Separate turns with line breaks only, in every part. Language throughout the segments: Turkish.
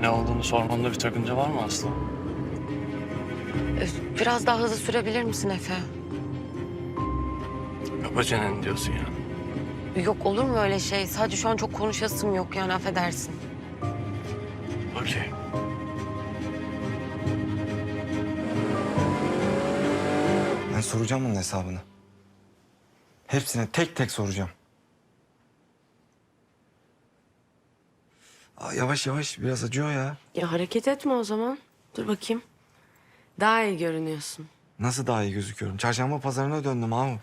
Ne olduğunu sormamda bir sakınca var mı Aslı?
Biraz daha hızlı sürebilir misin Efe?
Kapa çeneni diyorsun ya.
Yok olur mu öyle şey? Sadece şu an çok konuşasım yok yani affedersin.
Okey.
Ben soracağım bunun hesabını. Hepsine tek tek soracağım. Yavaş yavaş biraz acıyor ya.
Ya hareket etme o zaman. Dur bakayım. Daha iyi görünüyorsun.
Nasıl daha iyi gözüküyorum? Çarşamba pazarına döndüm abi.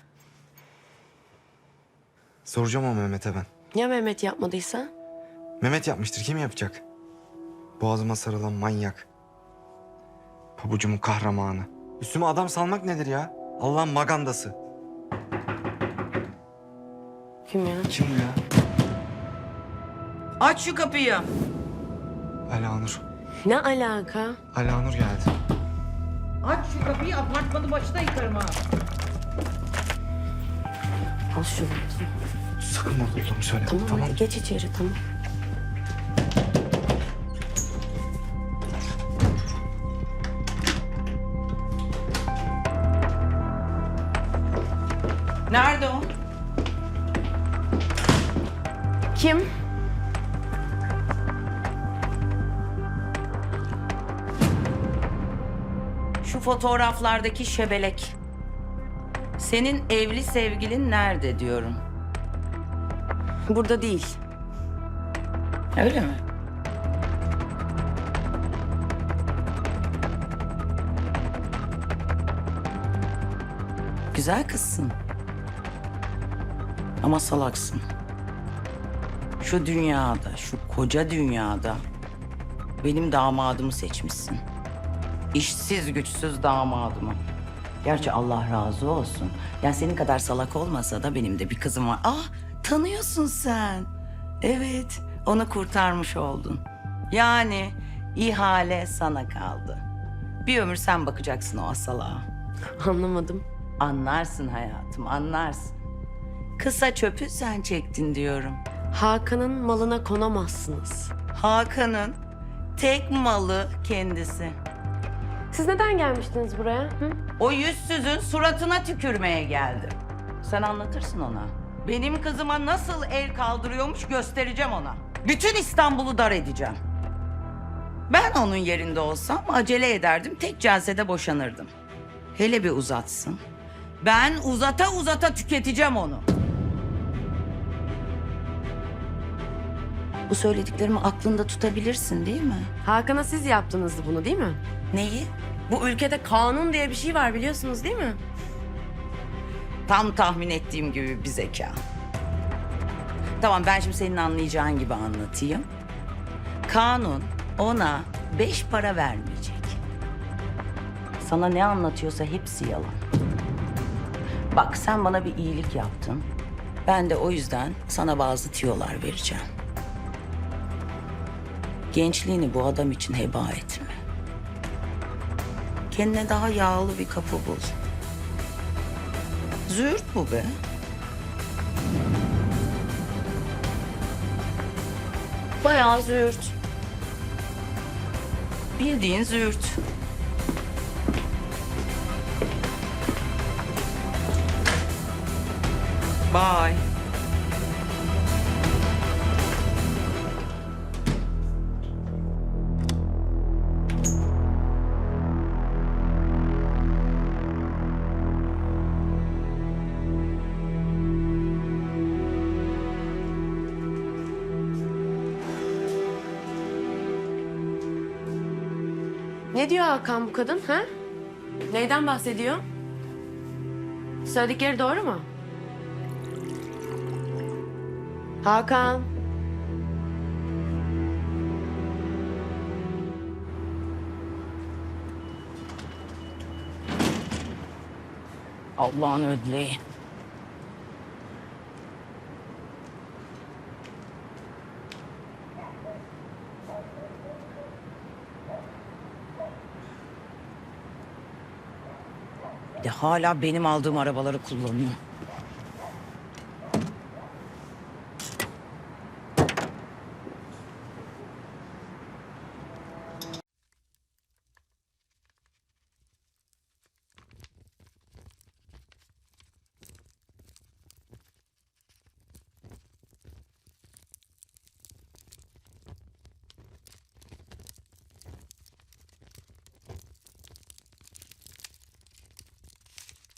Soracağım o Mehmet'e ben.
Ya Mehmet yapmadıysa?
Mehmet yapmıştır. Kim yapacak? Boğazıma sarılan manyak. Pabucumun kahramanı. Üstüme adam salmak nedir ya? Allah'ın magandası.
Kim ya?
Kim bu ya?
Aç şu kapıyı.
Alanur.
Ne alaka?
Alanur geldi.
Aç şu kapıyı, apartmanı başına yıkarım ha.
Al şunu.
Sakın orada olduğumu söyleme.
Tamam, hadi geç içeri tamam.
Nerede o?
Kim?
Şu fotoğraflardaki şebelek. Senin evli sevgilin nerede diyorum.
Burada değil.
Öyle mi? Güzel kızsın. Ama salaksın. Şu dünyada, şu koca dünyada benim damadımı seçmişsin. İşsiz güçsüz damadımı. Gerçi Allah razı olsun. Yani senin kadar salak olmasa da benim de bir kızım var. Ah, tanıyorsun sen. Evet, onu kurtarmış oldun. Yani ihale sana kaldı. Bir ömür sen bakacaksın o asalağa.
Anlamadım.
Anlarsın hayatım, anlarsın. Kısa çöpü sen çektin diyorum.
Hakan'ın malına konamazsınız.
Hakan'ın tek malı kendisi.
Siz neden gelmiştiniz buraya? Hı?
O yüzsüzün suratına tükürmeye geldim. Sen anlatırsın ona. Benim kızıma nasıl el kaldırıyormuş göstereceğim ona. Bütün İstanbul'u dar edeceğim. Ben onun yerinde olsam acele ederdim, tek celsede boşanırdım. Hele bir uzatsın. Ben uzata uzata tüketeceğim onu. Bu söylediklerimi aklında tutabilirsin değil mi?
Hakan'a siz yaptınız bunu değil mi?
Neyi?
Bu ülkede kanun diye bir şey var biliyorsunuz değil mi?
Tam tahmin ettiğim gibi bir zeka. Tamam, ben şimdi senin anlayacağın gibi anlatayım. Kanun ona 5 para vermeyecek. Sana ne anlatıyorsa hepsi yalan. Bak, sen bana bir iyilik yaptın. Ben de o yüzden sana bazı tüyolar vereceğim. Gençliğini bu adam için heba etme. Kendine daha yağlı bir kapı bul. Züğürt bu be. Bayağı züğürt. Bildiğin züğürt. Bye.
Ne diyor Hakan bu kadın ha? Neyden bahsediyor? Söyledikleri doğru mu? Hakan.
Allah'ın ödleği. Bir de hala benim aldığım arabaları kullanıyor.